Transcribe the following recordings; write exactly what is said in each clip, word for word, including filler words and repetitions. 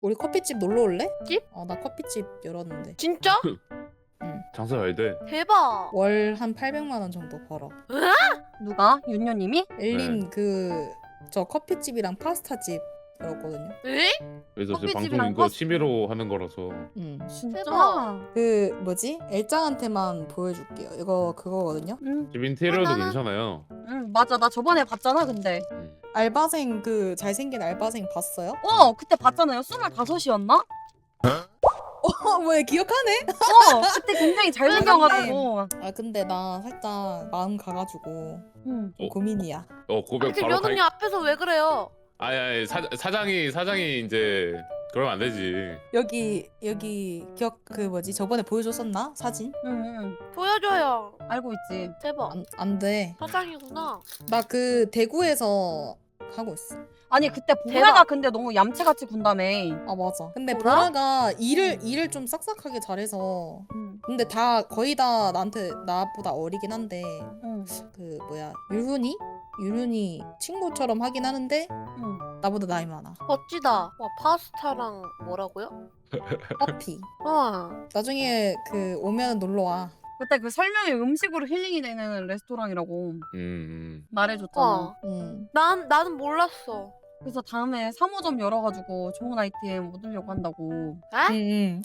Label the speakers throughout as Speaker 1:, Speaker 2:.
Speaker 1: 우리 커피집 놀러 올래?
Speaker 2: 집?
Speaker 1: 어, 나 커피집 열었는데.
Speaker 2: 진짜?
Speaker 1: 응.
Speaker 3: 장사 잘 돼.
Speaker 2: 대박.
Speaker 1: 월 한 팔백만 원 정도 벌어.
Speaker 4: 누가? 윤녀님이?
Speaker 1: 엘린 그 저 커피집이랑 파스타집 열었거든요.
Speaker 2: 에?
Speaker 3: 그래서 제
Speaker 4: 커피집이랑
Speaker 3: 방송 이거
Speaker 4: 파스-
Speaker 3: 취미로 하는 거라서.
Speaker 1: 응.
Speaker 4: 진짜?
Speaker 2: 대박.
Speaker 1: 그 뭐지? 엘짱한테만 보여줄게요. 이거 그거거든요.
Speaker 4: 응,
Speaker 3: 집 인테리어도
Speaker 2: 어, 나는-
Speaker 3: 괜찮아요.
Speaker 4: 응 맞아. 나 저번에 봤잖아 근데.
Speaker 3: 음.
Speaker 1: 알바생 그 잘생긴 알바생 봤어요?
Speaker 4: 어 그때 봤잖아요. 스물다섯이었나?
Speaker 1: 어, 뭐야 기억하네?
Speaker 4: 어 그때 굉장히 잘생겨가지고.
Speaker 1: 아 근데 나 살짝 마음 가가지고
Speaker 4: 응.
Speaker 1: 좀
Speaker 3: 어?
Speaker 1: 고민이야.
Speaker 3: 어 고백
Speaker 2: 아니, 지금
Speaker 3: 바로
Speaker 2: 연우님
Speaker 3: 가.
Speaker 2: 앞에서 왜 그래요?
Speaker 3: 아니 아니 사, 사장이 사장이 이제 그러면 안 되지.
Speaker 1: 여기 여기 기억 그 뭐지 저번에 보여줬었나 사진?
Speaker 4: 응,
Speaker 2: 보여줘요.
Speaker 4: 응. 알고 있지.
Speaker 2: 대박.
Speaker 1: 안 안 돼.
Speaker 2: 사장이구나.
Speaker 1: 나 그 대구에서 하고 있어.
Speaker 4: 아니 그때
Speaker 2: 대박.
Speaker 4: 보라가 근데 너무 얌체같이 군다며.
Speaker 1: 아 맞아. 근데
Speaker 2: 보라?
Speaker 1: 보라가 일을 일을 좀 싹싹하게 잘해서.
Speaker 4: 응.
Speaker 1: 근데 다 거의 다 나한테 나보다 어리긴 한데
Speaker 4: 응.
Speaker 1: 그 뭐야 유훈이 유훈이 친구처럼 하긴 하는데
Speaker 4: 응.
Speaker 1: 나보다 나이 많아.
Speaker 2: 멋지다. 와 파스타랑 뭐라고요?
Speaker 1: 커피.
Speaker 2: 와.
Speaker 1: 나중에 그 오면 놀러 와.
Speaker 4: 그때 그 설명이 음식으로 힐링이 되는 레스토랑이라고
Speaker 3: 음, 음.
Speaker 4: 말해줬잖아.
Speaker 2: 와.
Speaker 1: 응.
Speaker 2: 난 나는 몰랐어.
Speaker 4: 그래서 다음에 삼 호점 열어가지고 좋은 아이템 얻으려고 한다고.
Speaker 2: 에?
Speaker 1: 응.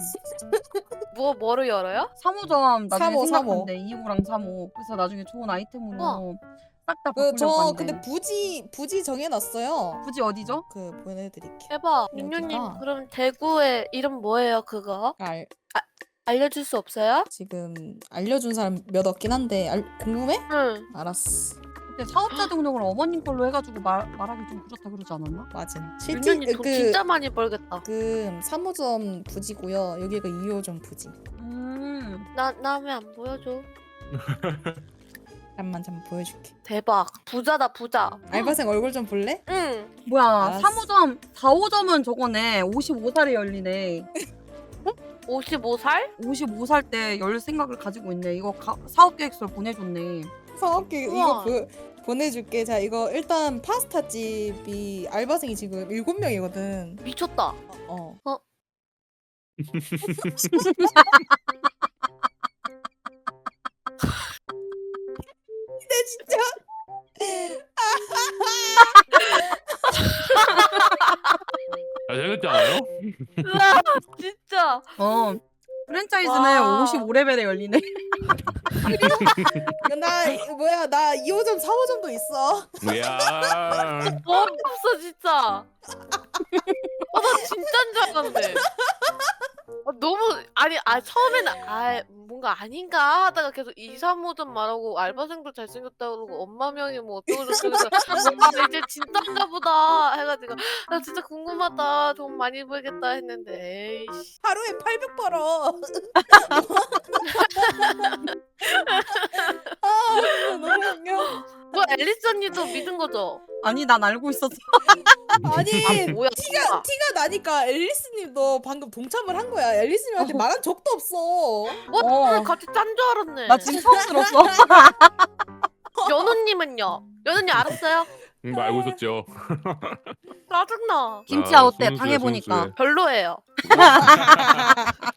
Speaker 2: 뭐 뭐를 열어요?
Speaker 4: 삼 호점 나중에
Speaker 1: 삼 호, 삼 호.
Speaker 4: 생각한대. 이 호랑 삼 호. 그래서 나중에 좋은 아이템으로
Speaker 2: 어.
Speaker 4: 싹 다 바꾸려고
Speaker 1: 그저
Speaker 4: 한대.
Speaker 1: 근데 부지 부지 정해놨어요.
Speaker 4: 굳이 어디죠?
Speaker 1: 그 보내드릴게.
Speaker 2: 대박.
Speaker 1: 여기가-
Speaker 2: 민규님 그럼 대구의 이름 뭐예요 그거?
Speaker 1: 알
Speaker 2: 알려줄 수 없어요?
Speaker 1: 지금 알려준 사람 몇 없긴 한데 알, 궁금해?
Speaker 2: 응.
Speaker 1: 알았어.
Speaker 4: 그때 사업자 등록을 어머님 걸로 해가지고 말, 말하기 좀 그렇다 그러지 않았나?
Speaker 1: 맞음. 실제
Speaker 2: 민규님 돈
Speaker 1: 그
Speaker 2: 진짜 많이 벌겠다.
Speaker 1: 지금 삼 호점 부지고요. 여기가 이 호점 부지.
Speaker 4: 음.
Speaker 2: 나나 왜 안 보여줘?
Speaker 1: 잠만 잠만 보여줄게.
Speaker 2: 대박. 부자다 부자.
Speaker 1: 알바생 얼굴 좀 볼래?
Speaker 2: 응.
Speaker 4: 뭐야
Speaker 1: 알았어.
Speaker 4: 삼 호점 사 호점은 저거네 오십오 살에 열리네.
Speaker 2: 오십오 살?
Speaker 4: 오십오 살 때 열 생각을 가지고 있네. 이거 가, 사업계획서 보내줬네.
Speaker 1: 사업계 이거
Speaker 2: 우와.
Speaker 1: 보, 보내줄게. 자 이거 일단 파스타 집이 알바생이 지금 일곱 명이거든.
Speaker 2: 미쳤다.
Speaker 1: 어.
Speaker 2: 어?
Speaker 1: 근데 진짜
Speaker 3: 아 재밌지 않아요?
Speaker 2: 으아, 진짜.
Speaker 4: 어 프랜차이즈는
Speaker 2: 와.
Speaker 4: 오십오 레벨에 열리네.
Speaker 1: 나 이거 뭐야 나 이 호점 사 호점도 있어.
Speaker 3: 이야.
Speaker 2: 뭐 없어 진짜. 아, 나 진짜인 줄 알았는데. 아, 너무 아니 아 처음에는 아 뭔가 아닌가 하다가 계속 이, 삼 호점 말하고 알바생도 잘생겼다 그러고 엄마 명이 뭐 어쩌고 저쩌고 해서 뭔가 이제 진짜인가 보다 해가지고 나 진짜 궁금하다 돈 많이 벌겠다 했는데 에이씨.
Speaker 1: 하루에 팔백 벌어. 아 진짜 너무 웃겨.
Speaker 2: 뭐 앨리스 언니도 믿은 거죠?
Speaker 4: 아니 난 알고 있었어.
Speaker 1: 아니
Speaker 2: 뭐야
Speaker 1: 티가
Speaker 2: 진짜.
Speaker 1: 티가 나니까 앨리스님도 방금 동참을 한 거야. 앨리스님한테
Speaker 4: 어.
Speaker 1: 말한 적도 없어.
Speaker 2: 어,
Speaker 4: 어.
Speaker 2: 나 갑자기 짠 줄 알았네.
Speaker 4: 나 지금 처음 들었어.
Speaker 2: 연우님은요? 연우님 알았어요?
Speaker 3: 음, 알고 있었죠.
Speaker 2: 짜증나.
Speaker 4: 김치야 어때?
Speaker 3: 순수해,
Speaker 4: 당해보니까.
Speaker 3: 순수해.
Speaker 2: 별로예요.